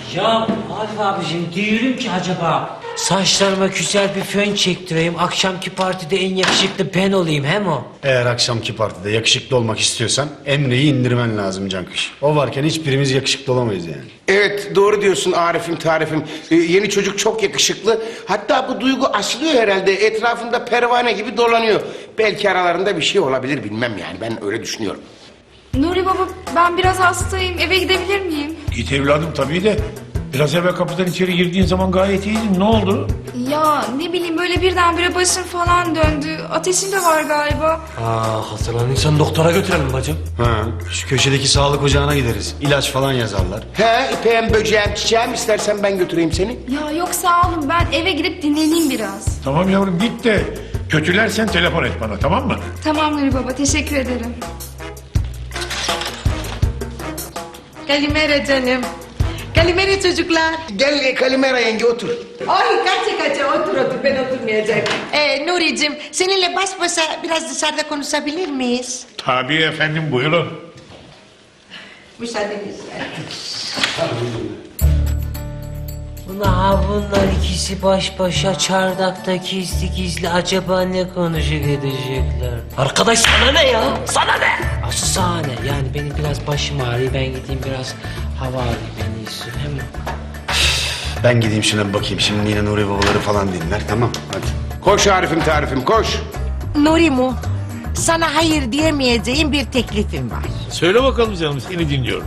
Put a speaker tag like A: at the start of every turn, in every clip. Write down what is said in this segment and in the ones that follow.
A: Ya Arif abicim diyorum ki acaba saçlarıma güzel bir fön çektireyim. Akşamki partide en yakışıklı ben olayım hem o.
B: Eğer akşamki partide yakışıklı olmak istiyorsan Emre'yi indirmen lazım Cankış. O varken hiçbirimiz yakışıklı olamayız yani.
C: Evet doğru diyorsun Arif'im tarifim. Yeni çocuk çok yakışıklı. Hatta bu duygu aşılıyor herhalde. Etrafında pervane gibi dolanıyor. Belki aralarında bir şey olabilir bilmem yani. Ben öyle düşünüyorum.
D: Nuri baba ben biraz hastayım. Eve gidebilir miyim?
E: Git evladım tabii de. Biraz evvel kapıdan içeri girdiğin zaman gayet iyiydin. Ne oldu?
D: Ya ne bileyim böyle birdenbire başım falan döndü. Ateşim de var galiba.
A: Hazırlanırsan doktora götürelim bacım.
B: Ha, şu köşedeki sağlık ocağına gideriz. İlaç falan yazarlar.
C: He ipeğim böceğim çiçeğim istersen ben götüreyim seni.
D: Ya yok sağ olun ben eve gidip dinleneyim biraz.
E: Tamam yavrum git de kötülersen telefon et bana, tamam mı?
D: Tamam Nuri baba teşekkür ederim.
F: Kalimera canım. Kalimera çocuklar.
C: Gel Kalimera yenge otur.
F: Ay kaça otur ben oturmayacağım. Nuri'cim seninle baş başa biraz dışarıda konuşabilir miyiz?
E: Tabii efendim, buyurun.
F: Müsaadenizle.
A: Bunlar ikisi baş başa çardakta gizli gizli acaba ne konuşup edecekler? Arkadaş sana ne ya? Sana ne? Asıl sana ne? Yani benim biraz başım ağrıyor, ben gideyim biraz hava alayım en iyisi. Hem
B: Ben gideyim şuna bir bakayım. Şimdi yine Nuri babaları falan dinler. Tamam hadi.
C: Koş Arif'im tarifim koş.
F: Nuri'mu sana hayır diyemeyeceğim bir teklifim var.
E: Söyle bakalım canım, seni dinliyorum.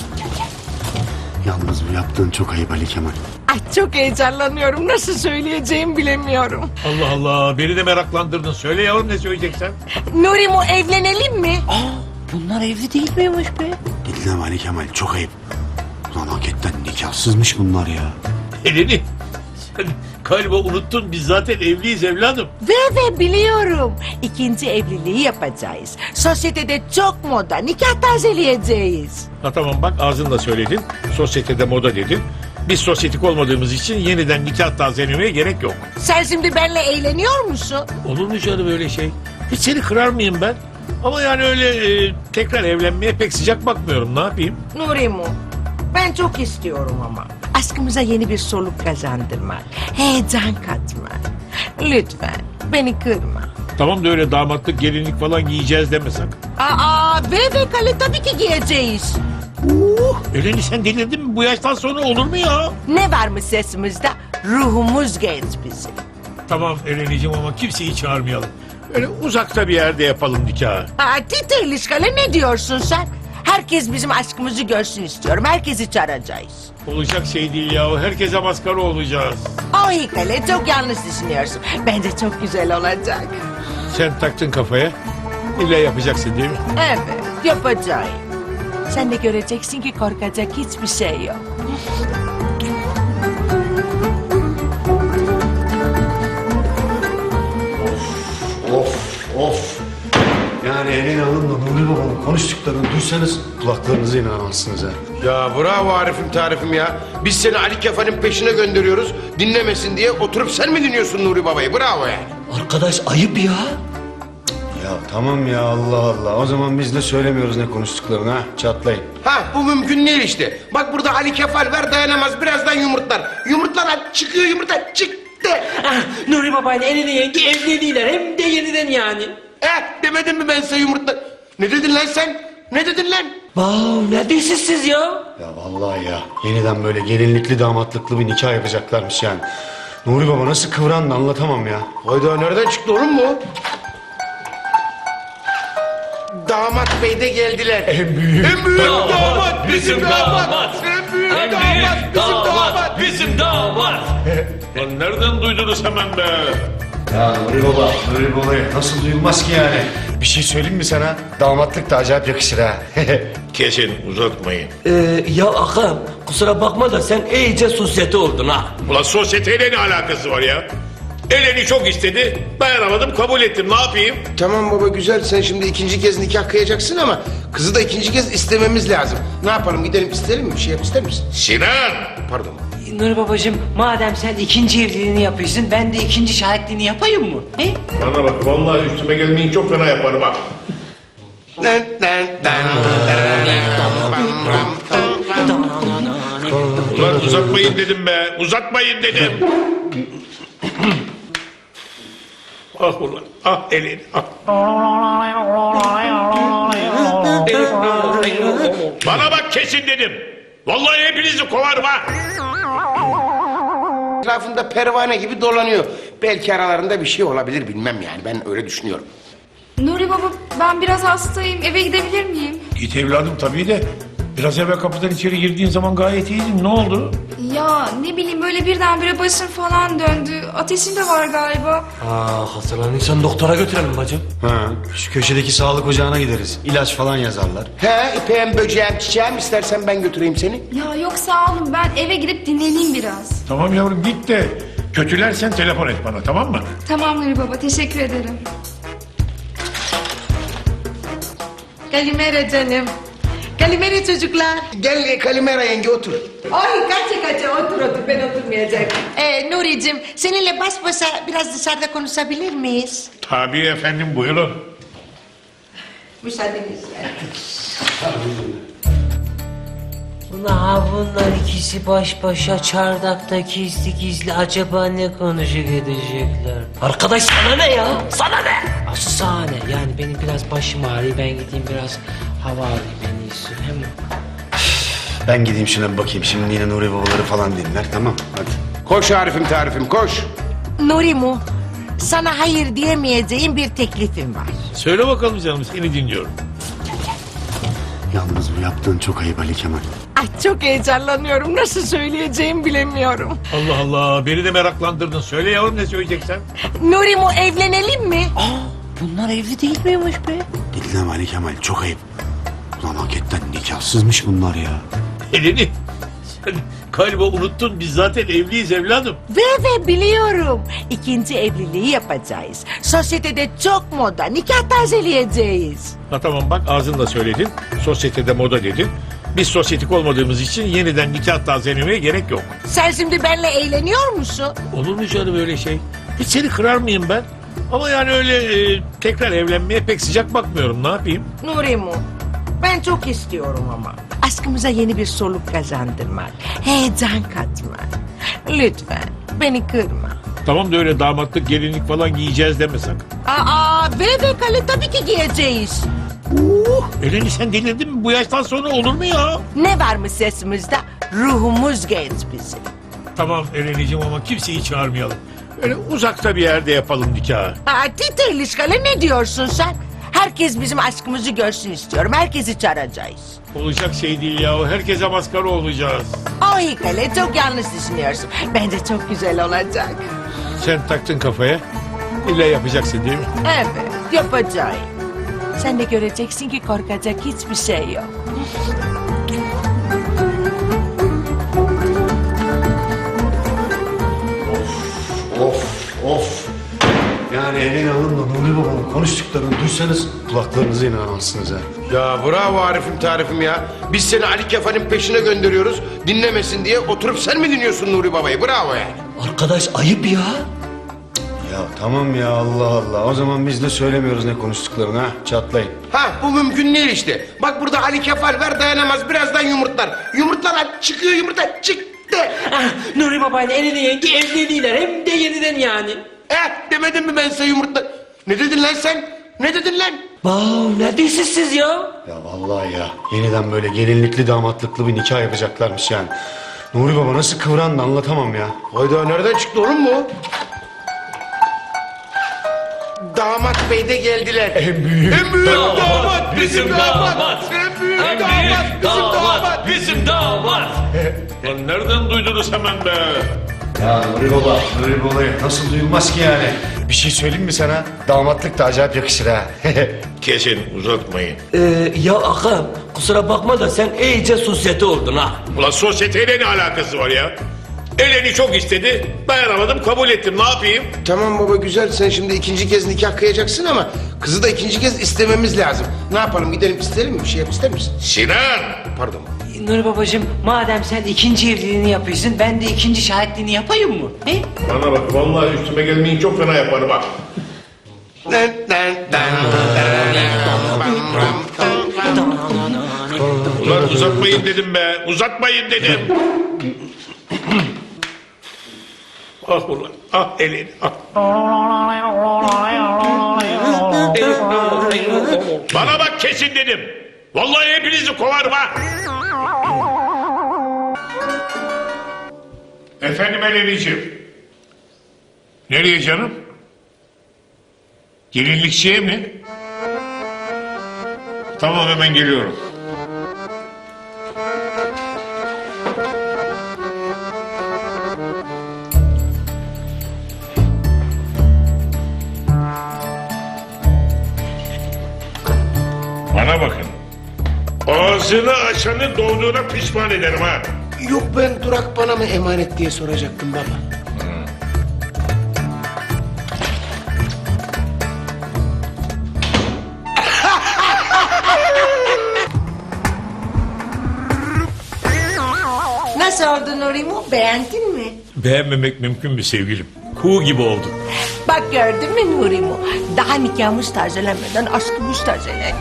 B: Yalnız bu yaptığın çok ayıp Ali Kemal.
F: Ay çok heyecanlanıyorum. Nasıl söyleyeceğimi bilemiyorum.
E: Allah Allah, beni de meraklandırdın. Söyle yavrum, ne söyleyeceksen.
F: Nuri'mu evlenelim mi?
A: bunlar evli değil miymiş be?
B: Dinleme Ali Kemal çok ayıp. Ulan hakikaten nikahsızmış bunlar ya.
E: Eleni, sen galiba unuttun, biz zaten evliyiz evladım.
F: Ve biliyorum. İkinci evliliği yapacağız. Sosyetede çok moda. Nikah tazeleyeceğiz.
E: Ha tamam bak, ağzınla söyledin. Sosyetede moda dedin. Biz sosyetik olmadığımız için yeniden nikah tazelemeye gerek yok.
F: Sen şimdi benimle eğleniyor musun?
E: Olur mu canım öyle şey? Hiç seni kırar mıyım ben? Ama yani öyle tekrar evlenmeye pek sıcak bakmıyorum. Ne yapayım?
F: Nuri'mu ben çok istiyorum ama. Aşkımıza yeni bir soluk kazandırmak. Heyecan katmak. Lütfen beni kırma.
E: Tamam da öyle damatlık, gelinlik falan giyeceğiz deme sakın.
F: Ve kale tabii ki giyeceğiz.
E: Eleni sen delirdin mi? Bu yaştan sonra olur mu ya?
F: Ne var mı sesimizde? Ruhumuz genç bizim.
E: Tamam Eleniciğim ama kimseyi çağırmayalım. Öyle uzakta bir yerde yapalım nikahı.
F: Tite ilişkale ne diyorsun sen? Herkes bizim aşkımızı görsün istiyorum. Herkesi çağıracağız.
E: Olacak şey değil ya. Herkese maskara olacağız.
F: O hikale çok yanlış düşünüyorsun. Bence çok güzel olacak.
E: Sen taktın kafaya. İlla yapacaksın değil mi?
F: Evet yapacağım. Sen de göreceksin ki korkacak hiçbir şey yok.
B: Of. Yani Elin Hanım'la Nuri babanın konuştuklarını duysanız kulaklarınıza inanamazsınız ha.
C: Ya bravo Arif'im tarifim ya. Biz seni Ali Kefa'nın peşine gönderiyoruz. Dinlemesin diye oturup sen mi dinliyorsun Nuri Baba'yı? Bravo yani.
A: Arkadaş ayıp ya.
B: Ya tamam ya Allah Allah. O zaman biz de söylemiyoruz ne konuştuklarını ha. Çatlayın.
C: Ha bu mümkün değil işte. Bak burada Ali Kefal var dayanamaz birazdan yumurtlar. Yumurtlar çıkıyor yumurta çıktı.
A: Nuri babayla Eleni yenge evleniyorlar hem de yeniden yani.
C: Demedim mi ben size yumurtlar? Ne dedin lan sen? Ne dedin lan?
A: Ne diyorsunuz siz ya?
B: Ya vallahi ya. Yeniden böyle gelinlikli damatlıklı bir nikah yapacaklarmış yani. Nuri baba nasıl kıvrandı anlatamam ya.
C: Hayda nereden çıktı oğlum bu? Damat bey de geldiler. En büyük damat bizim damat. En büyük damat bizim damat.
E: Lan nereden duydunuz hemen be?
B: Ya Nuri babayı nasıl duyulmaz ki yani? Bir şey söyleyeyim mi sana? Damatlık da acayip yakışır ha.
E: Kesin uzatmayın.
G: Ya ağam kusura bakma da sen iyice sosyete oldun ha.
E: Ulan sosyeteyle ne alakası var ya? Eleni çok istedi. Dayanamadım, kabul ettim. Ne yapayım?
C: Tamam baba güzel sen şimdi ikinci kez nikah kıyacaksın ama kızı da ikinci kez istememiz lazım. Ne yapalım gidelim isterim mi? Bir şey yap ister misin?
E: Sinan!
C: Pardon.
A: Nuri babacığım madem sen ikinci evliliğini yapıyorsun ben de ikinci şahitliğini yapayım mı? He?
E: Bana bak, vallahi üstüme gelmeyin, çok fena yaparım ha.
C: Dan, dan, dan, dan, dan, dan, dan, dan, dan, dan.
E: Ulan uzatmayın dedim be. Uzatmayın dedim. Ah ulan. Ah elini. Ah. Bana bak kesin dedim. Vallahi hepinizi kovarım ha.
C: Etrafında pervane gibi dolanıyor. Belki aralarında bir şey olabilir bilmem yani ben öyle düşünüyorum.
D: Nuri baba ben biraz hastayım. Eve gidebilir miyim?
E: Git evladım tabii de. Biraz evvel kapıdan içeri girdiğin zaman gayet iyiydin. Ne oldu?
D: Ya ne bileyim böyle birdenbire başım falan döndü. Ateşim de var galiba.
G: Hastalanırsan doktora götürelim bacım.
B: Ha, şu köşedeki sağlık ocağına gideriz. İlaç falan yazarlar.
C: He ipeğim böceğim çiçeğim istersen ben götüreyim seni.
D: Ya yok sağ olun ben eve gidip dinleneyim biraz.
E: Tamam yavrum git de. Kötülersen telefon et bana tamam mı?
D: Tamam Nuri baba teşekkür ederim.
F: Kalimera canım. Kalimera çocuklar.
C: Gel Kalimera yenge otur.
F: Ay kaça otur ben oturmayacağım. Nuri'cim seninle baş başa biraz dışarıda konuşabilir miyiz?
E: Tabii efendim buyurun.
F: Müsaadenizle.
A: Bunlar ikisi baş başa çardakta gizli gizli acaba ne konuşup edecekler? Arkadaş sana ne ya? Sana ne? Asıl sana ne? Yani benim biraz başım ağrıyor. Ben gideyim biraz hava alayım en iyisi. Hem
B: Ben gideyim şuna bir bakayım. Şimdi yine Nuri babaları falan dinler. Tamam hadi.
C: Koş Arif'im tarifim koş.
F: Nuri'mu sana hayır diyemeyeceğim bir teklifim var.
E: Söyle bakalım canım seni dinliyorum.
B: Yalnız bu yaptığın çok ayıp Ali Kemal.
F: Ay çok heyecanlanıyorum. Nasıl söyleyeceğimi bilemiyorum.
E: Allah Allah beni de meraklandırdın. Söyle yavrum ne söyleyeceksen.
F: Nuri'mu evlenelim mi?
A: bunlar evli değil miymiş be?
B: Dinleme Ali Kemal çok ayıp. Ulan hakikaten nikahsızmış bunlar ya.
E: Elini. Sen galiba unuttun biz zaten evliyiz evladım.
F: Ve biliyorum. İkinci evliliği yapacağız. Sosyetede çok moda. Nikah tazeleyeceğiz.
E: Ha tamam bak ağzınla söyledin. Sosyetede moda dedin. Biz sosyetik olmadığımız için yeniden nikah tazelemeye gerek yok.
F: Sen şimdi benimle eğleniyor musun?
E: Olur mu canım öyle şey? Hiç seni kırar mıyım ben? Ama yani öyle tekrar evlenmeye pek sıcak bakmıyorum. Ne yapayım?
F: Nuri'mu ben çok istiyorum ama. Aşkımıza yeni bir soluk kazandırmak. Heyecan katmak. Lütfen beni kırma.
E: Tamam da öyle damatlık gelinlik falan giyeceğiz deme sakın.
F: Ve kale tabii ki giyeceğiz.
E: Eleni sen delirdin mi? Bu yaştan sonra olur mu ya?
F: Ne var mı sesimizde? Ruhumuz genç bizim.
E: Tamam Eleniciğim ama kimseyi çağırmayalım. Öyle uzakta bir yerde yapalım nikahı.
F: Tite ilişkale ne diyorsun sen? Herkes bizim aşkımızı görsün istiyorum. Herkesi çağıracağız.
E: Olacak şey değil ya. Herkese maskara olacağız.
F: Ay kale çok yanlış düşünüyorsun. Bence çok güzel olacak.
E: Sen taktın kafaya. İlla yapacaksın değil mi?
F: Evet yapacağım. Sen de göreceksin ki korkacak hiçbir şey yok.
B: Of. Yani Elin Hanım'la Nuri babanın konuştuklarını duysanız kulaklarınıza inanamazsınız ha.
C: Ya bravo Arif'im tarifim ya. Biz seni Ali Kefa'nın peşine gönderiyoruz. Dinlemesin diye oturup sen mi dinliyorsun Nuri Baba'yı? Bravo yani.
G: Arkadaş ayıp ya.
B: Ya tamam ya Allah Allah. O zaman biz de söylemiyoruz ne konuştuklarını ha. Çatlayın.
C: Ha bu mümkün değil işte. Bak burada Ali Kefal var dayanamaz birazdan yumurtlar. Yumurtlar çıkıyor yumurta çıktı.
A: Nuri babayla Elini yenge evleniyorlar hem de yeniden yani.
C: Demedim mi ben size yumurtlar? Ne dedin lan sen? Ne dedin lan?
A: Ne diyorsunuz siz ya?
B: Ya vallahi ya. Yeniden böyle gelinlikli damatlıklı bir nikah yapacaklarmış yani. Nuri baba nasıl kıvrandı anlatamam ya.
C: Hayda nereden çıktı oğlum bu? Damat bey de geldiler. En büyük damat bizim damat. En büyük damat bizim damat.
E: Bizim damat. Lan nereden duydunuz hemen be?
B: Ya Nuri babayı nasıl duyulmaz ki yani? Bir şey söyleyeyim mi sana? Damatlık da acayip yakışır ha.
E: Kesin uzatmayın.
G: Ya ağam kusura bakma da sen iyice sosyete oldun ha.
E: Ulan sosyeteyle ne alakası var ya? Eleni çok istedi. Dayanamadım kabul ettim. Ne yapayım?
C: Tamam baba güzel sen şimdi ikinci kez nikah kıyacaksın ama kızı da ikinci kez istememiz lazım. Ne yapalım gidelim isteyelim mi? Bir şey yap ister misin?
E: Sinan!
C: Pardon.
A: Nuri babacığım madem sen ikinci evliliğini yapıyorsun ben de ikinci şahitliğini yapayım mı? He?
E: Bana bak vallahi üstüme gelmeyin çok fena yaparım bak. Ulan uzatmayın dedim be. Uzatmayın dedim. Ah ulan. Ah elini. Ah. Bana bak kesin dedim. Vallahi hepinizi kovarım ha. Efendim Eleniciğim. Nereye canım? Gelinlikçiye mi? Tamam hemen geliyorum. Bana bakın. Ağzını açanı doğduğuna pişman ederim ha.
C: Yok ben Durak bana mı emanet diye soracaktım baba.
F: Nasıl oldu Nurimu? Beğendin mi?
E: Beğenmemek mümkün mü sevgilim? Kuğu gibi oldu.
F: Bak gördün mü Nurimu? Daha nikahımız tazelenmeden aşkımız tazelendi.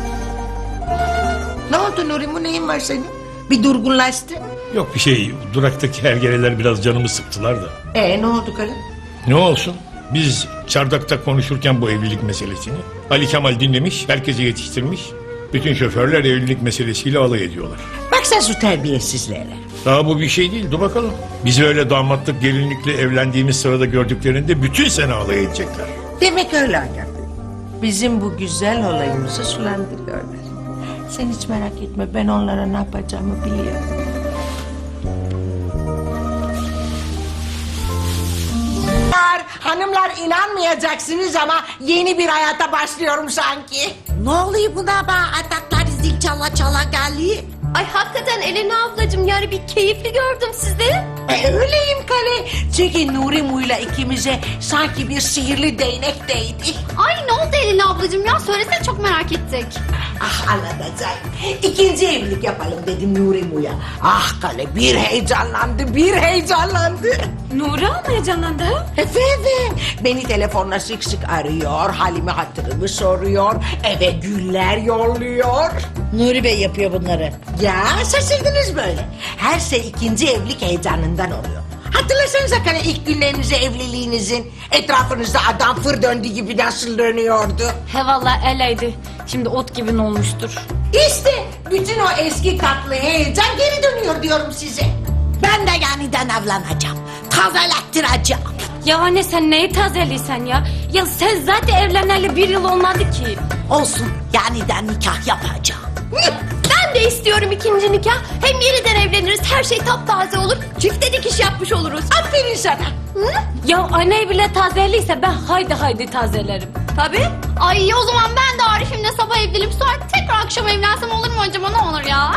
F: Ne oldu Nurimu? Neyin var senin? Bir durgunlaştın.
E: Yok bir şey. Duraktaki hergeleler biraz canımı sıktılar da.
F: Ne oldu karım?
E: Ne olsun? Biz çardakta konuşurken bu evlilik meselesini Ali Kemal dinlemiş, herkese yetiştirmiş. Bütün şoförler evlilik meselesiyle alay ediyorlar.
F: Bak sen şu terbiyesizlere.
E: Daha bu bir şey değil. Dur bakalım. Bizi öyle damatlık gelinlikle evlendiğimiz sırada gördüklerinde bütün sene alay edecekler.
F: Demek öyle Agah. Bizim bu güzel olayımızı sulandırıyorlar. Sen hiç merak etme, ben onlara ne yapacağımı biliyorum. Hanımlar inanmayacaksınız ama yeni bir hayata başlıyorum sanki.
H: Ne oluyor buna be? Ataklar zil çala çala geldi.
I: Ay hakikaten Elena ablacığım yani bir keyifli gördüm sizi.
F: Öyleyim Kale. Çünkü Nurimu'yla ikimize sanki bir sihirli değnek değdi.
I: Ay ne oldu Elena ablacığım ya söylesene çok merak ettik.
F: Ah anlatacağım. İkinci evlilik yapalım dedim Nurimu'ya. Ah Kale bir heyecanlandı, bir heyecanlandı.
I: Nuri mı heyecanlandı?
F: Efendim beni telefonla sık sık arıyor, halimi hatırımı soruyor, eve güller yolluyor.
H: Nuri Bey yapıyor bunları.
F: Ya şaşırdınız böyle. Her şey ikinci evlilik heyecanından oluyor. Hatırlasanıza Kale ilk günlerinizi evliliğinizin etrafınızda adam fır döndüğü gibi nasıl dönüyordu.
I: He valla eleydi. Şimdi ot gibi ne olmuştur.
F: İşte bütün o eski tatlı heyecan geri dönüyor diyorum size.
H: Ben de yeniden evleneceğim. Tazelettireceğim.
I: Ya anne sen neyi tazeliysen ya? Ya sen zaten evleneli 1 yıl olmadı ki.
H: Olsun yeniden nikah yapacağım.
I: Ben de istiyorum ikinci nikah. Hem yeniden evleniriz her şey taptaze olur. Çifte dikiş yapmış oluruz.
F: Aferin sana.
I: Hı? Ya anne bile tazeliyse ben haydi tazelerim. Tabii. Ay o zaman ben de Arif'imle sabah evlenip sonra tekrar akşam evlensem olur mu acaba ne olur ya?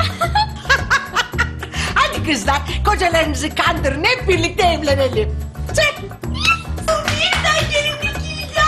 F: Hadi kızlar kocalarınızı kandırın hep birlikte evlenelim. Çek. Yeniden gelinlik giyeceğim.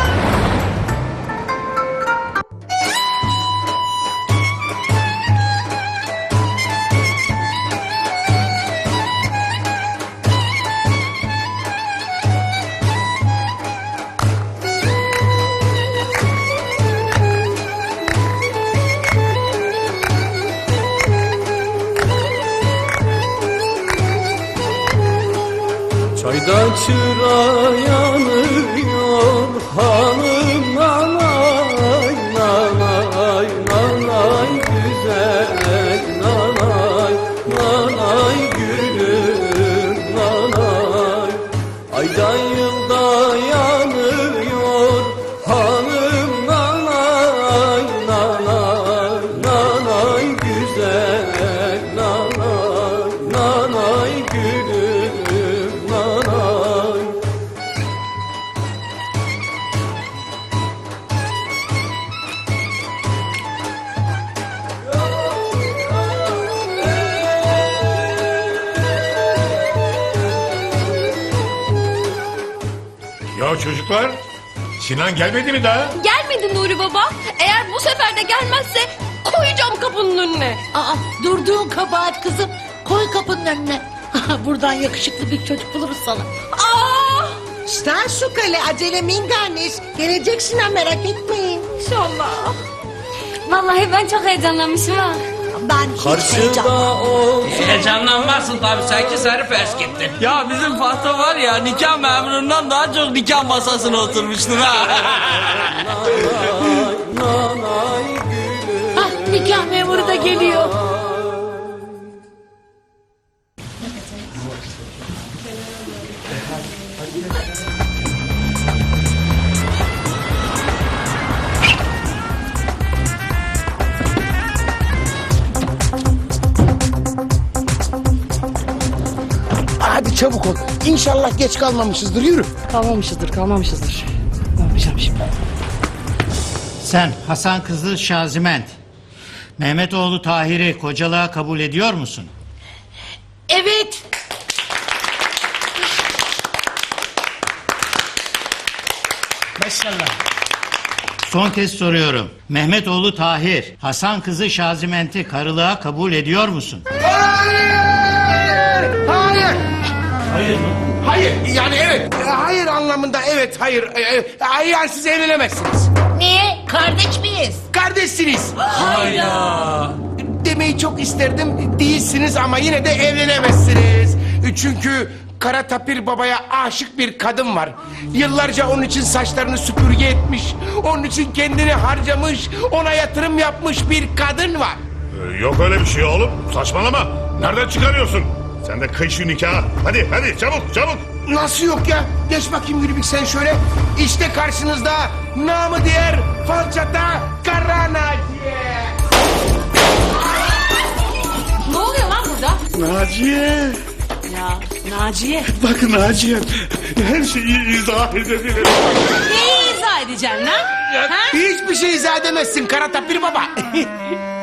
G: Çayda çıra yanıyor hanım nanay nanay nanay güzel nanay nanay gülüm nanay ayda yılda yanıyor hanım nanay nanay nanay güzel nanay nanay gülüm nanay.
E: Ya çocuklar, Sinan gelmedi mi daha?
I: Gelmedi Nuri baba. Eğer bu sefer de gelmezse koyacağım kapının önüne.
H: Aa, durduğun kabahat kızım. Koy kapının önüne. Buradan yakışıklı bir çocuk buluruz sana.
I: Aa!
F: Stan su Kale acele minganis. Geleceksin ha merak etmeyin.
I: İnşallah. Vallahi ben çok heyecanlanmışım ha.
F: Ben hiç heyecanlanmıyorum.
G: Heyecanlanmazsın tabii, sen ki seni fers gittin. Ya bizim Fatma var ya, nikah memurundan daha çok nikah masasına oturmuştur ha.
H: Hah, nikah memuru da geliyor.
C: Hadi çabuk ol. İnşallah geç kalmamışızdır. Yürü.
J: Kalmamışızdır. Ne yapacağım şimdi?
K: Sen Hasan kızı Şaziment, Mehmetoğlu Tahir'i kocalığa kabul ediyor musun?
H: Evet.
K: Son kez soruyorum. Mehmetoğlu Tahir, Hasan kızı Şaziment'i karılığa kabul ediyor musun?
C: Hayır!
K: Hayır mı?
C: Hayır. Yani evet. Hayır anlamında evet hayır. Hayır yani siz evlenemezsiniz.
F: Niye? Kardeş miyiz?
C: Kardeşsiniz. Demeyi çok isterdim. Değilsiniz ama yine de evlenemezsiniz. Çünkü Kara Tapir Baba'ya aşık bir kadın var. Yıllarca onun için saçlarını süpürge etmiş. Onun için kendini harcamış. Ona yatırım yapmış bir kadın var.
E: Yok öyle bir şey oğlum. Saçmalama. Nereden çıkarıyorsun? Sen de kıy şu nikahı. Hadi çabuk.
C: Nasıl yok ya? Geç bakayım Gülübük sen şöyle. İşte karşınızda namı diğer falçata Kara Naciye.
H: Ne oluyor lan burada?
B: Naciye.
H: Ya Naciye.
B: Bak Naciye. Her şeyi izah edebilirim.
H: Neyi izah edeceksin lan? Ha?
C: Hiçbir şey izah edemezsin Kara Tapir Baba.